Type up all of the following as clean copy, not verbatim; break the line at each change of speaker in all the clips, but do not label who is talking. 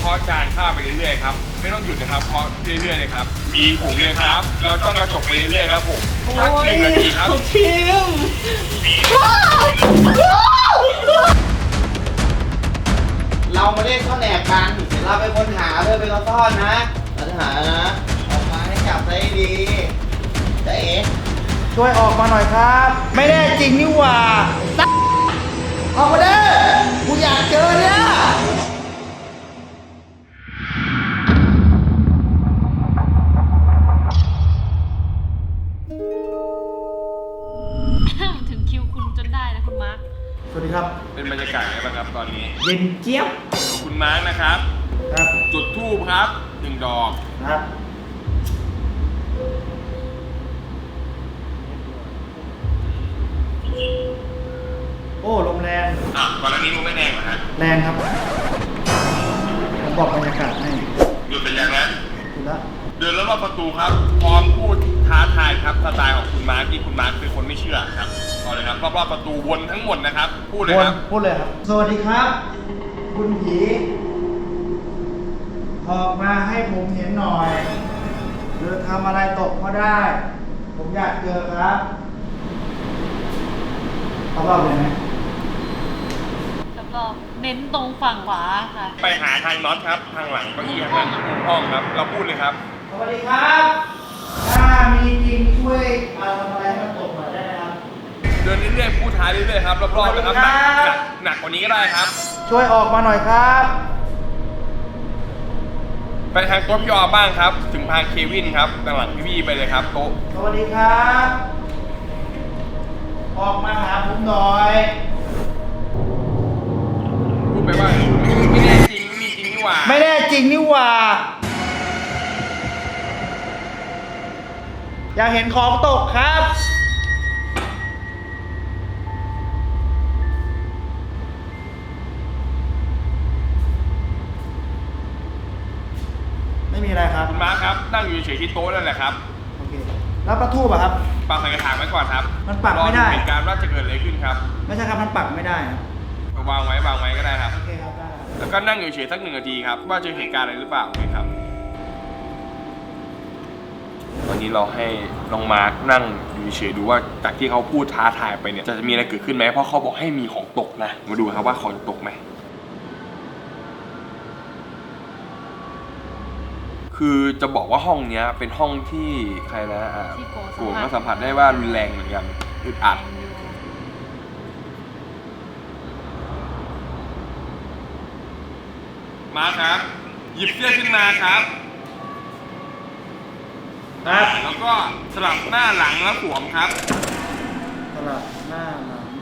เคาะจานข้าวไปเรื่อยๆครับไม่ต้องหยุดนะครับเคาะเรื่อยๆเลยครับมีผงเลยครับเราต้องกระจกไปเรื่อยๆครับผมสัก1 นาทีครับ
ชิมเรามาเล่นข้าวแหนกกันเดี๋ยวเราไปค้นหาเพื่อไปเราซ่อนนะเราจะหานะออกมาให้จับได้ดีเจ๊ช่วยออกมาหน่อยครับ ไม่แน่จริงนี่หว่าออกมาเด้อกูอยากเจอเนี่ย
ถึงคิวคุณจนได้นะคุณมาร์ค
สวัสดีครับ
เป็นบรรยากาศไงบ้างครับตอนนี้
เย็นเจี๊ยบ
คุณมาร์คนะครับ
ครับ
จุดธูปครับ1 ดอก
ครับโอ้ลมแรง
ก่อนหน้านี้มันไม่แรงเหรอฮะ
แรงครับผมบอกบรรยากาศให้
หยุดเป็นยังนะ
ดูแลว
เดินรอบๆประตูครับพร้อมพูดท้าทายครับสไตล์ของคุณมาร์คที่คุณมาร์คเป็นคนไม่เชื่อครับต่อเลยครับรอบๆประตูวนทั้งหมดนะครับพูดเลยครับ
พูดเลยครับ สวัสดีครับ คุณผีออกมาให้ผมเห็นหน่อยหรือทำอะไรตกก็ได้ ผมอยากเจอครับรอบๆเลยไหม
แล้วก็เน้นตรงฝั่งขวาค่ะ
ไปหาทางน็อตครับทางหลังเก้าอี้ข้างหลังมุมห้องครับเราพูดเลยครับ
สวัสดีครับ ถ้ามีจริงช่วยเอาทำอะไรให้มันตกหน่อยได้ไหมครับ
เดินเรื่อยๆพูดท้ายเรื่อยๆครับรอบๆนะครับ
สวัสดีครับ
หนักกว่านี้ก็ได้ครับ
ช่วยออกมาหน่อยครับ
ไปทางโต๊ะพี่ออบ้างครับ ถึงทางเควินครับด้านหลังพี่ๆไปเลยครับโต๊ะ
สวัสดีครับ ออกมาหาผมหน่อย
พูดไปว่าไม่แน่จริงไม่มีจริงนี่หว่า
ไม่แน่จริงนี่หว่า อยากเห็นของตกครับ ไม่มีอะไรครับ
คุณมาร์คครับนั่งอยู่เฉยๆที่โต๊ะนั่นแหละครับ
โอเค แล้วประทูบอะครับ
ปักใส่กระถางไว้ก่อนครับ
มันปักไม่ได้
รอเหตุการณ์ว่าจะเกิดอะไรขึ้นครับ
ไม่ใช่ครับ มันปักไม่ได้ครับ
วางไว้ก็ได้ครับ
โอเคครับได้ครับ
แล้วก็นั่งอยู่เฉยๆสัก1 นาทีครับว่าเจอเหตุการณ์อะไรหรือเปล่าครับวันนี้เราให้น้องมาร์คนั่งอยู่เฉยๆดูว่าจากที่เขาพูดท้าทายไปเนี่ยจะมีอะไรเกิดขึ้นไหมเพราะเขาบอกให้มีของตกนะมาดูครับว่าของตกไหมคือจะบอกว่าห้องเนี้ยเป็นห้องที่ใครนะ
ที่โก
โกก็สัมผัสได้ว่ารุนแรงเหมือนกันอึดอัดมาครับ หยิบเสื้อขึ้นมาครับ
ครับ
แล้วก็สลับหน้าหลังแล้วสวมครับ
สลับหน้าหลัง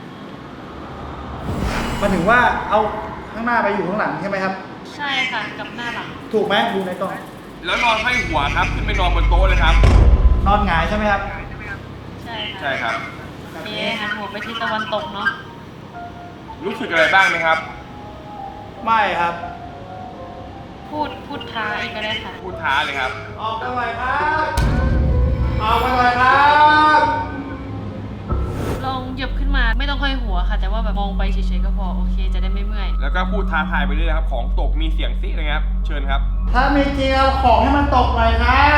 มาถึงว่าเอาข้างหน้าไปอยู่ข้างหลังใช่ไหมครับ
ใช่ค่ะ กับหน้าหลัง
ถูกไหมดูในกล้อง
แล้วนอนให้หัวครับขึ้นไปนอนบนโต๊ะเลยครับ
นอนหงายใช่ไหมครับ
ใช่ค่ะ
ใช่ครับ
เอ๊ะหันหัวไปที่ตะวันตกเนาะ
รู้สึกอะไรบ้างไหมครับ
ไม่ครับ
พูดท้าอีกก็ได้ค่ะ
พูดท้าเลยครับ
ออกกันหน่อยครับ ออกกันหน่อยครับ
ลองเหยียบขึ้นมาไม่ต้องค่อยหัวค่ะ แต่ว่าแบบมองไปเฉยๆก็พอโอเคจะได้ไม่เมื่อย
แล้วก็พูดท้าทายไปเรื่อยๆครับของตกมีเสียงซิเลยครับ เชิญครับ
ถ้ามีจริงเอาของให้มันตกหน่อยครับ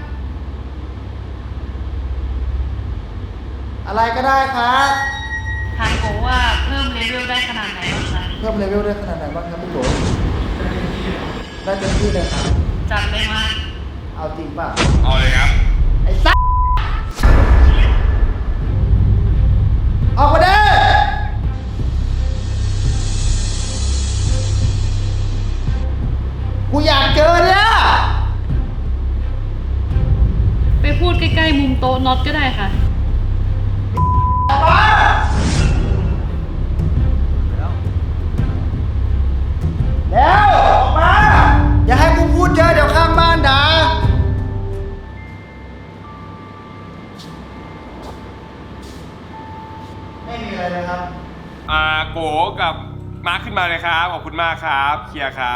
อะไรก็ได้ครับ
ทางโกว่าเพิ่มเลเวลได้ขนาดไหนบ้างคะ
เพิ่มเลเวลได้ขนาดไหนบ้างครับพี่โกได้เต็มที่เลยครับ
จัดเลยมา
เอาจริงป่ะ
เอาเลยครับ
ไอ้สัสออกมาเด้อกูอยากเจอเนี่ย
ไปพูดใกล้ๆมุมโต๊ะน็อตก็ได้ค่ะ
ออกมาแล้วออกมา อย่าให้กูพูดเยอะเดี๋ยวข้างบ้านด่าไม่มีอะไรเลยครับ
โกกับมาร์คขึ้นมาเลยครับขอบคุณมากครับเคลียร์ครับ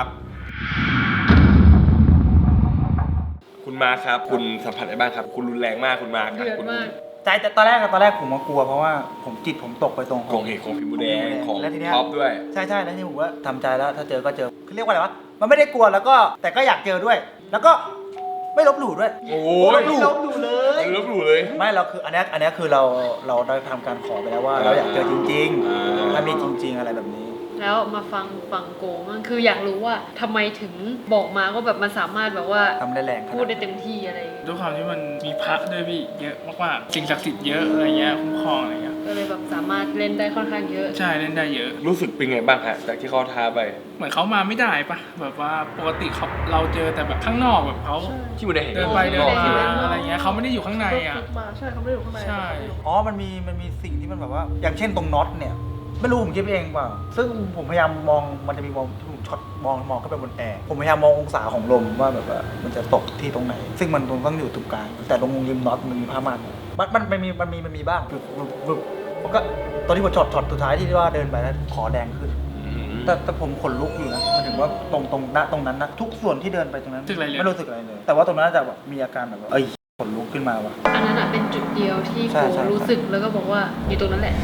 คุณมาร์คครับ คุณสัมผัสได้บ้างครับ คุณรุนแรงมากคุณมาร์ค
เดือด
คุณ
มาก
ใจแต่ตอนแรกผมก็กลัวเพราะว่าผมตกไปตรง
ของเอกของพิมพ์แดงของ
แล้วทีเนี้ย
ท็อปด้วย
ใช่แล้วที่ผมว่าทำใจแล้วถ้าเจอก็เจอเขาเรียกว่าอะไรวะมันไม่ได้กลัวแล้วก็แต่ก็อยากเจอด้วย แล้วก็ไม่ลบหลู่ด้วย
โอ้
ไม่
ย
ลบหลู่เลย
ไม่ลบหลู่เลย
ไม่เราคืออันเนี้ยคือเราได้ทำการขอไปแล้วว่าเราอยากเจอจริงๆถ้ามีจริง ๆอะไรแบบนี้
แล้วมาฟังฝั่งโกมันคืออยากรู้ว่าทำไมถึงบอกมาว่าแบบมันสามารถแบบว่า
ทำได้แรงขนาด
พูดได้เต็มที่อะไรอย่างเงี้ย
ด้วยความที่มันมีพระด้วยพี่เยอะมากๆสิ่งศักดิ์สิทธิ์เยอะอะไรเงี้ยคุ้มครองอะไรเงี้ย
ก็เลยแบบสามารถเล่นได้ค่อนข้างเยอะ
ใช่เล่นได้เยอะ
รู้สึกเป็นไงบ้างฮะจากที่เขาท้าไป
เหมือนเขามาไม่ได้ปะแบบว่าปกติเราเจอแต่แบบข้างนอกแบบเขา
ที่มันได้เห็น
เดินไปเดิน
ข้าง
มา
อก
อะไรเงี้ยเขาไม่ได้อยู่ข้างในอ่ะ
ใช่เขาไม่ได้อยู่ข้างใน
ใช่
อ๋อมันมีสิ่งที่มันแบบว่า อย่างเช่นตรงน็อตเนี่ยไม่รู้ผมคิดเองเปล่าซึ่งผมพยายามมองมันจะมีมองที่ผมช็อตมองเข้าไปบนแอร์ผมพยายามมององศาของลมว่าแบบว่ามันจะตกที่ตรงไหน ซึ่งมันต้องอยู่ตรงกลางแต่ตรงริมน็อตมันมีผ้าม่านมันมีบ้างมันก็ตอนที่ผมช็อตสุดท้ายที่ว่าเดินไปแล้วขอแดงขึ้น แต่ผมขนลุกอยู่นะมันถึงว่าตรงนั้นนะทุกส่วนที่เดินไปตรงนั้น
รู้สึกอะไรเลย
ไม่รู้สึกอะไรเลย แต่ว่าตรงนั้นจะแบบมีอาการแบบว่าขนลุกขึ้นมาว่ะ
อันนั้นอ่ะเป็นจุดเดียวที่
ใช่
โก
ใช่
รู้สึกแล้วก็บอกว่าอยู่ตรงนั้นแหละ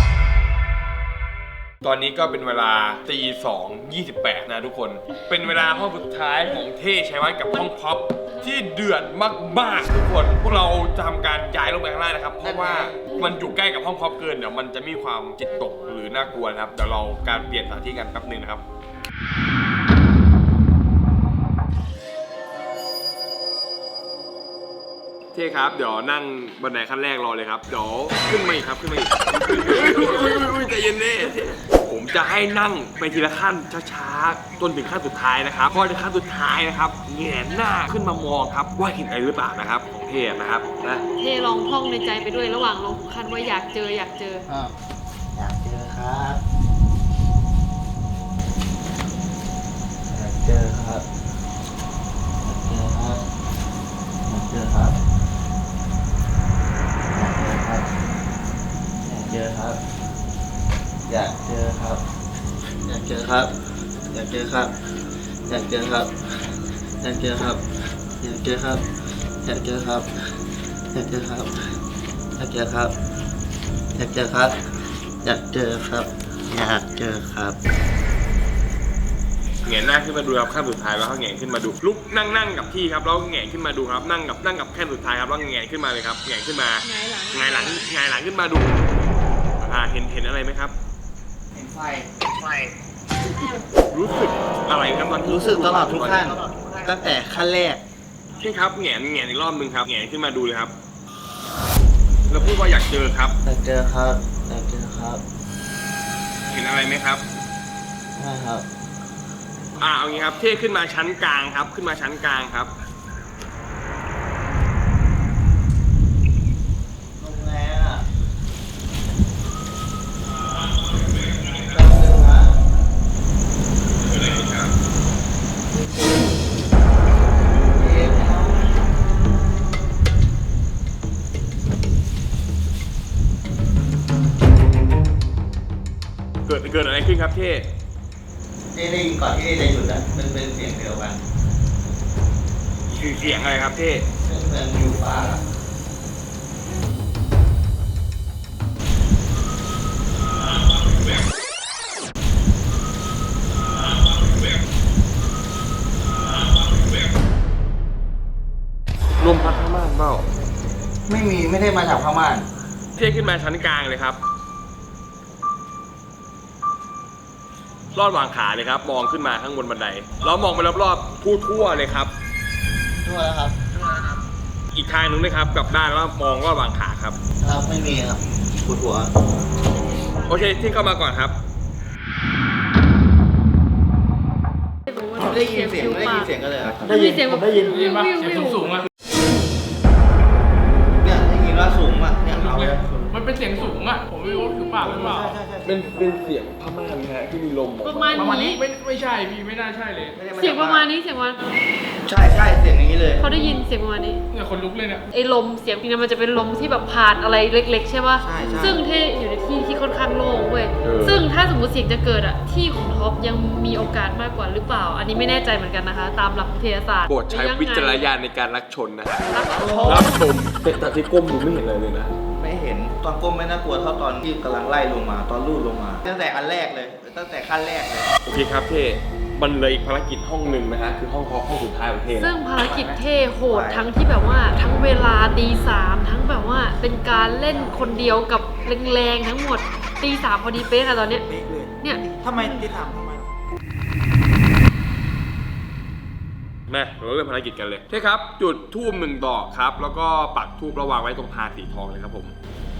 ตอนนี้ก็เป็นเวลา2:28นะทุกคน เป็นเวลาห้องสุดท้ายของเท่ชัยวัฒน์กับห้องพ็อปที่เดือดมากๆทุกคน พวกเราจะทำการย้ายลงไปข้างล่างนะครับ เพราะว่ามันอยู่ใกล้กับห้องพ็อปเกินเดี๋ยวมันจะมีความจิตตกหรือน่ากลัวนะครับ เดี๋ยวเราการเปลี่ยนสถานที่กันแป๊บนึงนะครับ เท่ครับ เดี๋ยวนั่งบันไดขั้นแรกรอเลยครับ เดี๋ยวขึ้นมาอีกครับขึ้นมาอีกอุ้ยใจเย็นเน่ผมจะให้นั่งไปทีละขั้นช้าๆจนถึงขั้นสุดท้ายนะครับพอถึงขั้นสุดท้ายนะครับแหงนหน้าขึ้นมามองครับว่าเห็นอะไรหรือเปล่านะครับของเท่นะครับนะ
เทลองท่องในใจไปด้วยระหว่างลงคันว่าอยากเจอ
อยากเจอครับอยากเจอครับอยากเจอครับอยากเจอครับอยากเจอครับอยากเจอครับอยากเจอครับอยากเจอครับอยากเจอครับอยากเจอครับอยากเจอครับอยากเจอครับอยากเจอครับอยากเจอครับอยากเจอครับอยากเจอครับอยากเจอครับ
แหงนหน้าขึ้นมาดูครับขั้นสุดท้ายแล้วก็แหงนขึ้นมาดูลุกนั่งกับที่ครับแล้วแหงนขึ้นมาดูครับนั่งกับขั้นสุดท้ายครับแล้วแหงนขึ้นมาเลยครับแหงนขึ้นมา
หงายหลัง
หงายหลังขึ้นมาดูเห็นอะไรไหมครับ
เห็นไฟ
รู้สึกอะไรครับตอนที่
รู้สึกตลอดทุกขั้นตั้งแต่ขั้นแรก
ใช่ครับแหงนอีกรอบนึงครับแหงนขึ้นมาดูเลยครับ แล้วพูดว่าอยากเจอครับ
อยากเจอครับอยากเจอครับ
เห็นอะไรไหมครับ
ใช่ครับ
เอางี้ครับเท่ขึ้นมาชั้นกลางครับขึ้นมาชั้นกลางครับ
ลงแล้วแป๊บนึงนะเอ๊ะ
เกิดอะไรขึ้นครับเท่
ได้ยินก่อนที่จะหยุดอ่ะมันเป็นเสียงเดียวกัน
เสียงอะไรครับเท่
เป็นเหมือนอยู่ป่าอะ
ลมพัดข้างม่านเปล่า
ไม่ได้มาจากพม่าน
เท่ขึ้นมาชั้นกลางเลยครับลอดวางขาเลยครับ มองขึ้นมาข้างบนบันไดแล้วมองไปรอบๆทั่วเลยครับ
ทั่วแล้วครับ
อีกทางหนึงนะครับกลับด้านแล้วมองลอดวางขาครับ
ครับไม่มีครับปวดหัว
โอเคที่เข้ามาก่อนครับ
ได้ยินเสียงกันเลยครับ
ได้ยินเสียงแบบ
ได้ยิน
ได้ยินปะเสียงสูงๆอ่ะ
เนี่ยได้ยินว่าสูงอ่ะเนี่ยเอาเลย
มันเป็นเสียงสูงอ่ะผมไม่รู้ว่าคือปากหรือเปล่า
เป็นเสียงพม่านนะฮะที่มีลมออก
ประมาณ
ประมาณนี้
นี้
ไม่ใช่พี่ไม่น่าใช่เลย
เสียงประมาณนี้เสียงว่า
ใช่เสียงอย่างนี้เลย
เขาได้ยินเสียงประมาณนี้
เนี่ยคนลุกเลยเนี่ย
ไอ้ลมเสียงนี้มันจะเป็นลมที่แบบผ่านอะไรเล็ก ๆ ใช่ป่ะ
ใช่
ซึ่งที่อยู่ในที่ที่ค่อนข้างโล่งเว้ยซึ่งถ้าสมมติเสียงจะเกิดอะที่ของท็อปยังมีโอกาสมากกว่าหรือเปล่า อันนี้ไม่แน่ใจเหมือนกันนะคะ ตามหลักวิทยาศาสตร์
โปรดใช้วิจารณญาณในการรับชมนะฮะ
รักชม
รับชมแต่ที่ก้มดูไม่เห็นอะไรเลยนะ
ไม่เห็นตอนก้มไม่น่ากลัวเท่าตอนที่กำลังไล่ลงมาตอนลูดลงมาตั้งแต่อันแรกเลยตั้งแต่ขั้นแรกเลย
โอเคครับเท่มันเลยอีกภารกิจห้องหนึ่งนะฮะคือห้องสุดท้ายของเท่
ซึ่งภารกิจเท่โหดทั้งที่แบบว่าทั้งเวลาตีสามทั้งแบบว่าเป็นการเล่นคนเดียวกับแรงๆทั้งหมดตีสามพอดีเป๊ะค่ะตอนเนี้ย
เป๊ะเลย
เนี่ย
ทำไมที่ถามทำไมหรอ
มาเราเริ่มภารกิจกันเลยเท่ครับ จุดทูบ1 ดอกครับ แล้วก็ปักทูบระวางไว้ตรงพานสีทองเลยครับผม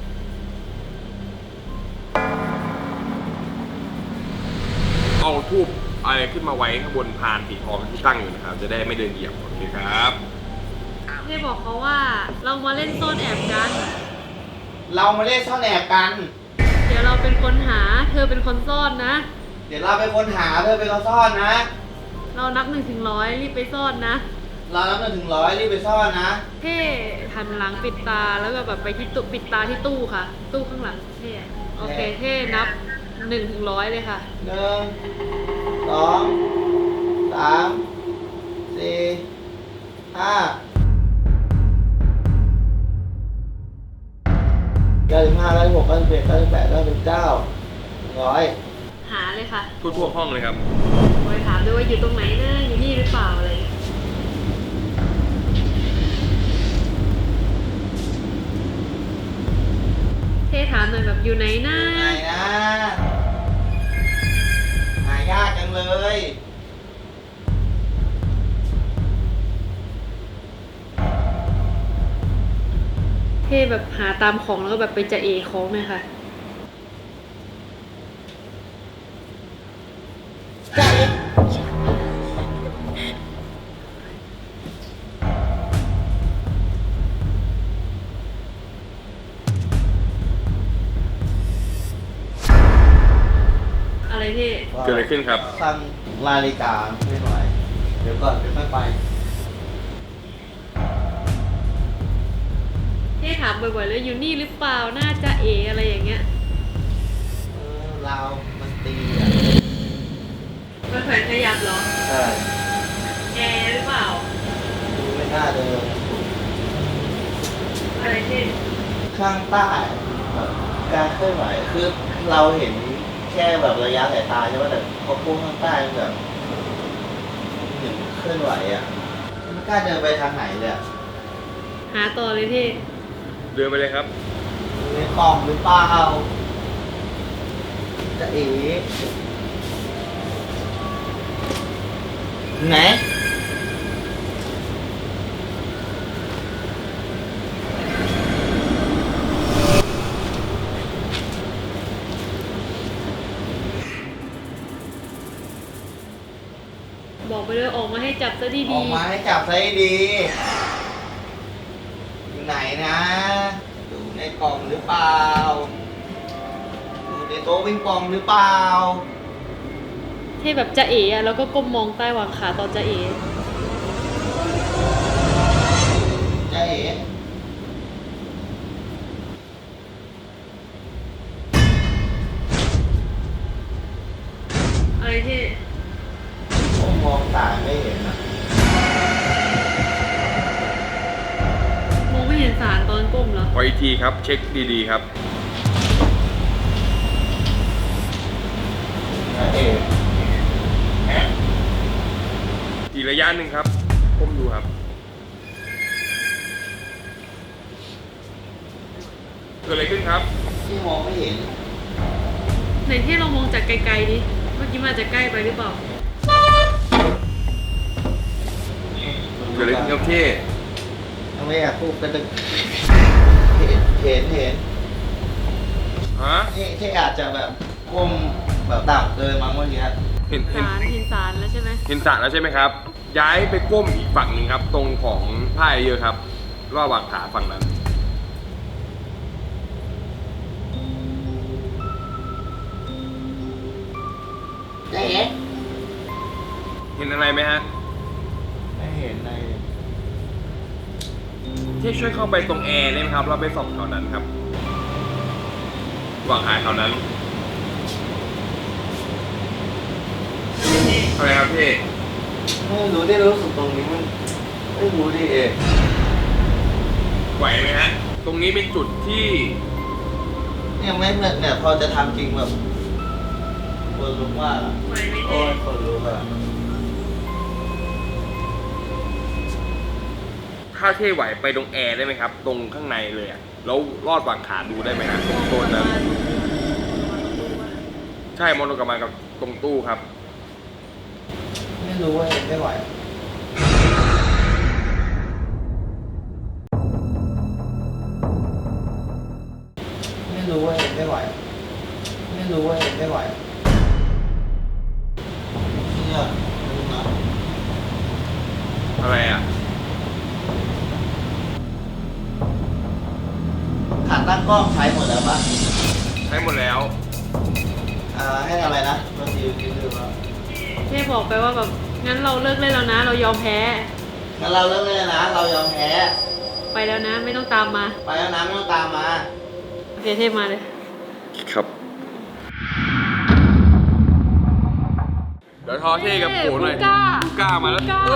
เอาทูบอะไรขึ้นมาไว้ข้างบนพานสีทองที่ตั้งอยู่นะครับจะได้ไม่เดินเหยียบโอเคครับ
เท่บอกเขาว่าเรามาเล่นซ่อนแอบกัน
เรามาเล่นซ่อนแอบกัน
เดี๋ยวเราเป็นคนหาเธอเป็นคนซ่อนนะ
เดี๋ยวเราไปค้นหาเธอไปเราซ่อนนะ
เรานับ1 ถึง 100รีบไปซ่อนนะ
เรานับ1 ถึง 100รีบไปซ่อนนะ
เท่หันหลังปิดตาแล้วก็แบบไปที่ตู้ปิดตาที่ตู้ค่ะ ตู้ข้างหลังเท่โอเคเท่นับ1 ถึง 100เลยค่ะ
1 2 3 4 5 95 96 97 98 99 100
หาเลยค่ะ
ทั่วห้องเลยครับ
ไปถามด้วยว่าอยู่ตรงไหนนะอยู่นี่หรือเปล่าอะไรเท่ถามหน่อยแบบอยู่ไหนนะ
ไหนนะหายากจังเลย
เท่แบบหาตามของแล้วก็แบบไปจะเอของเลยค่ะ อะไรเท่
เกิดอะไรขึ้นครับ
สั่งนาฬิกาไม่ไหวเดี๋ยวก่อนไม่ไป
เท่ถามบ่อยๆแล้วอยู่นี่หรือเปล่าน่าจะเออะไรอย่างเงี้ย
เรามันตีอ่ะ
มันแขวนขยับเหรอ
ใช่
แอร์หรือเปล่า
ดูไม่น่าเดิน
อะไรเท่
ข้างใต้แบบการเคลื่อนไหวคือเราเห็นแค่แบบระยะสายตาใช่ไหมแต่พอพุ่งข้างใต้มันแบบเห็นเคลื่อนไหวอ่ะไม่กล้าเดินไปทางไหนเลยอะ
หาต่อเลยเท่
เดินไปเลยครับ
อยู่ในกล่องหรือเปล่าจะเอ๋ไหน
บอกไปเลยออกมาให้จับซะ
อ
ดี
อกมาให้จับซะให้ดี อยู่ไหนนะอยู่ในกล่องหรือเปล่าอยู่ในโต๊ะปิงปองหรือเปล่า
ๆเท่แบบจะเออะแล้วก็ก้มมองใต้หว่างขาตอนจะเอ
จะเอ๋
อะไรเท่
ผมมองตาไม่เห็นนะ
มองไม่เห็นสารตอนก้มเหรอ
ขออีกทีครับ เช็คดีๆครับ
จะเอ๋
อีกระยะหนึ่งครับก้มดูครับ เกิดอะไรขึ้นครับ
ที่มองไม่เห็น
ไหนเท่เรามองจากไกลๆดิเมื่อกี้มาจากใกล้ไปหรือเปล่า
เกิดอะไรขึ้นครับเท่
ทำไมอยากพูดกันตึกเห็น
ฮะ
ที่อาจจะแบบก้มแบบต่ำเกินมั้งเมื่อกี้
เห็น
สารเห็นสารแล้วใช่ไหม
เห็นสระแล้วใช่ไหมครับ ย้ายไปก้มอีกฝั่งหนึ่งครับ ตรงของผ้าเยอะครับระหว่างขาฝั่งนั้น
จะเอ๋
เห็นอะไรไหมฮะ
ไม่เห็นใน
ที่ช่วยเข้าไปตรงแอร์ได้ไหมครับ เราไปส่องแถวนั้นครับระหว่างหาแถวนั้นอะไรครับพี่
ไม่รู้ได้รู้สึกตรงนี้มันไม่รู้ดิเอ๋
ไหวไหมฮะตรงนี้เป็นจุดที่
เนี่ยไม่เนี่ยพอจะทำจริงแบบคนลุกมากอะโอ้ยคนลุกอะ
ถ้าเท่ไหวไปตรงแอร์ได้ไหมครับ ตรงข้างในเลยอะแล้วลอดวางขาดูได้ไหมครับตรงโซนนั้นใช่มองลงกลับมากับตรงตู้ครับ
ไม่รู้ว่าเห็นไม่ไหวไม่รู้ว่าเห็นไม่ไหวไม่รู้ว่าเห็นไม่ไหวเนี่ยดูนะ
อะไรอ่ะ
ขาตั้งกล้องใช้หมดแล้วป่ะ
ใช้หมดแล้ว
ให้ทำอะไรนะบางทีคิดดูว่า
เท่บอกไปว่าแบบงั้นเราเลิกเล่นแล้วนะ เรายอมแพ้
งั้นเราเลิกเล่นนะ เรายอมแพ้
ไปแล้วนะ ไม่ต้องตามมา
ไปแล้วนะไม่ต้องตามมา
โอเคเท่มาเลย
ครับ เดี๋ยวทอเท่กับโกหน่อย
ผู้กล้า
ผู้กล้ามาแล้ว
กล้า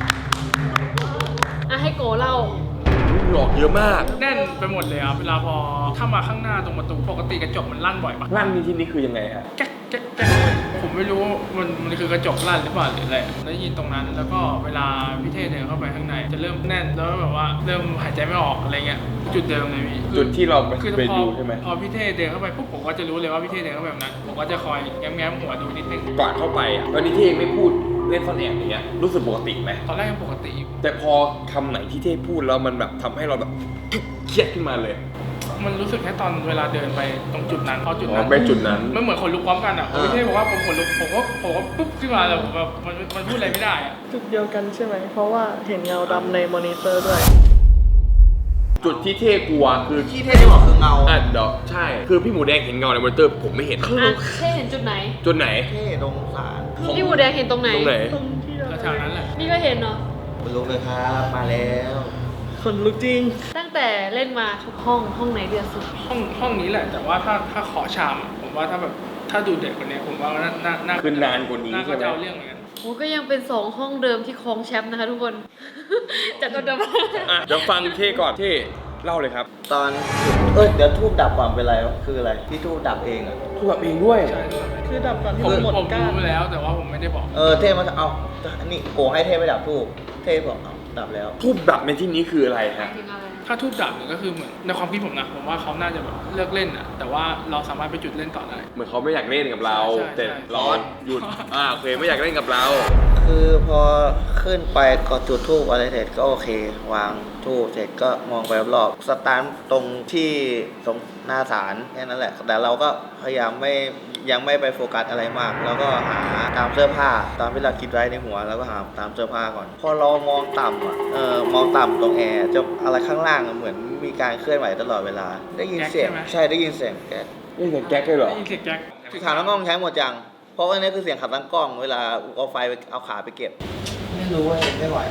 อ่ะให้โกเล่า
หลอกเยอะมาก
แน่นไปหมดเลยครับเวลาพอถ้ามาข้างหน้าตรงประตูปกติกระจกมันลั่นบ่อยปะ
ลั่นในที่นี้คือยังไงฮะ
แก๊กแก๊กแก๊กผมไม่รู้มันคือกระจกลั่นหรือเปล่าหรืออะไรได้ยินตรงนั้น แล้วก็เวลาพี่เท่เดินเข้าไปข้างในจะเริ่มแน่นแล้วแบบว่าเริ่มหายใจไม่ออกอะไรเงี้ยจุดเดิมเลยพี่
จุดที่เรา
คือ
ไป
พอ
ดูใช่ไหม
พอพี่เท่เดินเข้าไปปุ๊บผมก็จะรู้เลยว่าพี่เท่เดินเข้าไปแบบนั้นผมก็จะคอยแง้มๆหัวดูนิดนึง
ก่อนเข้าไปอ่ะตอนนี้เท่ไม่พูดเล่นซ่อนแอบอย่างเงี้ยรู้สึกปกติไหม
ตอนแรกยังปกติอยู่
แต่พอคำไหนที่เท่พูดแล้วมันแบบทำให้เราแบบเครียดขึ้นมาเลย
มันรู้สึกแค่ตอนเวลาเดินไปตรงจุดนั้นพอจุด
อ๋
นั้
อน ไปจุดนั้น
มันเหมือนคนลุกพร้อมกันอ่ะพี่เท่บอกว่าผมขนลุกผมก็ปุ๊บขึ้นมาแต่ผมแบบมันพูดอะไรไม่ได้อ่ะ
จุดเดียวกันใช่ไหม เพราะว่าเห็นเงาดำในมอนิเตอร์ด้วย
จุดที่เท่กลัวคือ
ที่เท่ที่บอกคือเงา
เดี๋ยวใช่ คือพี่หมูแดงเห็นเงาในมอนิเตอร์ผมไม่เห็น
อ่ะเท่เห็นจุดไหน
จุดไหน
เท่ตรงศาล
พี่บูแดงเห็นตรงไหน
ตรงไหน
ตรงที่เรา
แถวๆนั้นแหละ
นี่ก็เห็นเนาะ
คุณลุกเลยครับ มาแล้ว
คนลุกจริง
ตั้งแต่เล่นมาทุกห้องไหนเดือดสุด
ห้องนี้แหละ แต่ว่าถ้าขอชามอะผมว่าถ้าดูเด็กกว่านี้ผมว่าน่า
คือนานกว่านี้
น่า
ใช่
ก็
ไหม
จะเอาเรื่องเหมือนกัน
โอ้ก็ยังเป็น2ห้องเดิมที่ครองแชมป์นะคะทุกคน จากเดิม
อ่ะเดี๋ยวฟังเท่ก่อนเท่เล่าเลยครับ
ตอนเดี๋ยวทูบดับก่อนเป็นไรวะคืออะไรที่ทูบดับเองอ่ะ
พูดแบบเองด้วย
ใช่
คือดับก่อนที่
ผม
มันหมด
ผม
ก้าน
รู้แล้วแต่ว่าผมไม่ได้บอก
เท่มาเอาอันนี้โกให้เท่ไปดับทูบเท่บอกเอาดับแล้ว
ทูบดับในที่นี้คืออะไรฮะ
ถึงอะไร
ถ้าทูบดับเนี่ยก็คือเหมือนในความคิดผมนะผมว่าเขาน่าจะแบบเลิกเล่นอ่ะแต่ว่าเราสามารถไปจุดเล่นต่อได้
เหมือนเขาไม่อยากเล่นกับเรา
ใช่
แต่
ใช่
เราหยุดโอเคไม่อยากเล่นกับเรา
คือพอขึ้นไปก็จุดทูบอะไรเสร็จก็โอเค วางทูบเสร็จก็มองไปรอบๆสตาร์ทตรงที่ตรงหน้าศาลแค่นั้นแหละ แต่เราก็พยายามยังไม่ไปโฟกัสอะไรมาก แล้วก็หาตามเสื้อผ้าตามที่เราคิดไว้ในหัวแล้วก็หาตามเสื้อผ้าก่อน พอเรามองต่ำอ่ะมองต่ำตรงแอร์จะอะไรข้างล่างอะเหมือนมีการเคลื่อนไหวตลอดเวลา ได้ยินเสียง
แก๊กใช่ไหม
ใช่ได้ยินเสียงแก๊ก
นี่เสียงแก๊กเลยเหรอ
ได้ยินเสียงแก๊ก
ขาตั้งกล้องใช้หมดจัง เพราะว่านี่คือเสียงขับตั้งกล้องเวลาเอาไฟไปเอาขาไปเก็บ ไม่รู้ว่าไม่ไหว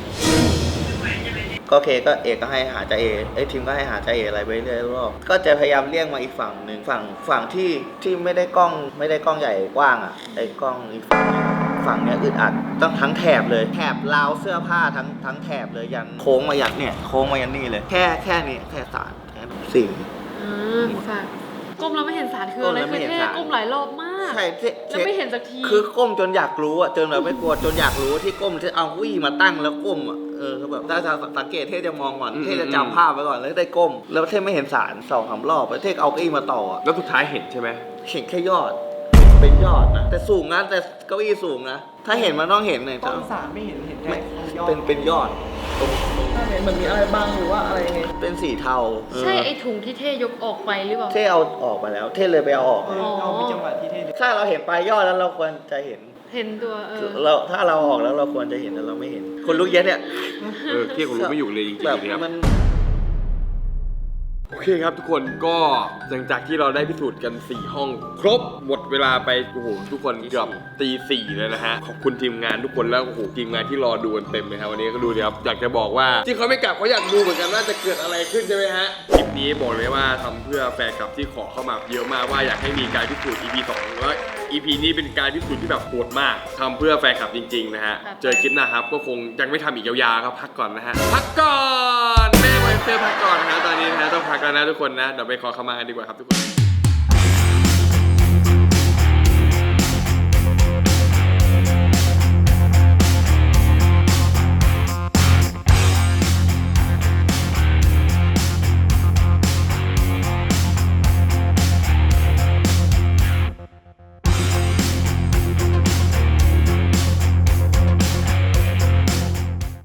ก็โอเคก็เอกก็ให้หาจ่าเอทีมก็ให้หาจ่าเออะไรไปเรื่อยรอบก็จะพยายามเลี่ยงมาอีกฝั่งหนึ่งฝั่งที่ไม่ได้กล้องใหญ่กว้างอ่ะไอ้กล้องอีกฝั่งเนี้ยอึดอัดต้องทั้งแถบเลยแถบราวเสื้อผ้าทั้งแถบเลยยันโค้งมายันเนี่ยโค้งมายันนี่เลยแค่นี้แค่สารแค่สิ่ง
อ่าฝากก้มแล้วไม่เห็นสารคืออะไร
ก้มแล้วไม่
คือ
เห็น
เท่
สาร
ก้มหลายรอบมาก
ใช่
แล้วไม่เห็นสักที
คือก้มจนอยากรู้อ่ะจนแบบไม่กลัวจนอยากรู้ที่ก้มที่เอาวิ่งมาตั้งแล้วก้มอ่ะคือแบบถ้าสังเกตเท่จะมองก่อนเท่จะจำภาพไว้ก่อนแล้วได้ก้ม แล้วเท่ไม่เห็นสาร2-3 รอบแล้วเท่เอาเก้าอี้มาต่ออ่ะ
แล้วสุดท้ายเห็นใช่ไหม
เห็นแค่ยอดเป็นยอดนะแต่สูงนะแต่เก้าอี้สูงนะถ้าเห็นมันต้องเห็นเลย
กล้องสามไม่เห็นแค่
ไม่
ยอด
เป็นยอดตรง
ถ้าเห็นเหมือนมีอะไรบางหรือว่าอะไรยังไง
เป็นสีเทา
ใช่ไอ้ถุงที่เท่ยกออกไปหรือเปล่า
เท่เอาออกไปแล้ว เท่เลยไปเอาออก
เรามีจังหวะที่เท่
ถ้าเราเห็นปลายยอดแล้วเราควรจะเห็น
เห็นตัว
ถ้าเราออกแล้วเราควรจะเห็นแต่เราไม่เห็น คนลุกเย็ดเนี่ย
เที่ยงผมรู้ไม่อยู่เลยจริง
แบบ
ๆเลยครับ
มัน
โอเคครับทุกคนก็หลังจากที่เราได้พิสูจน์กัน 4 ห้อง ครบหมดเวลาไปโอ้โหทุกคนเกือบตี 4เลยนะฮะขอบคุณทีมงานทุกคนแล้วโอ้โหทีมงานที่รอดูกันเต็มเลยครับวันนี้ก็ดูดิครับอยากจะบอกว่าที่เขาไม่กลับเขาอยากดูเหมือนกันว่าจะเกิดอะไรขึ้นใช่ไหมฮะคลิปนี้บอกเลยว่าทำเพื่อแฟนคลับที่ขอเข้ามาเยอะมากว่าอยากให้มีการพิสูจน์ EP 2แล้ว EP นี้เป็นการพิสูจน์ที่แบบโหดมากทำเพื่อแฟนคลับจริงๆนะฮะเจอคลิปหน้าครับก็คงยังไม่ทำอีกยาวๆครับพักก่อนนะฮะพักก่อนแม่ไวเฟอร์พักก่อนนะตอนนี้นะต้องพักแล้วนะทุกคนนะเดี๋ยวไปขอขมากันดีกว่าครับทุกคน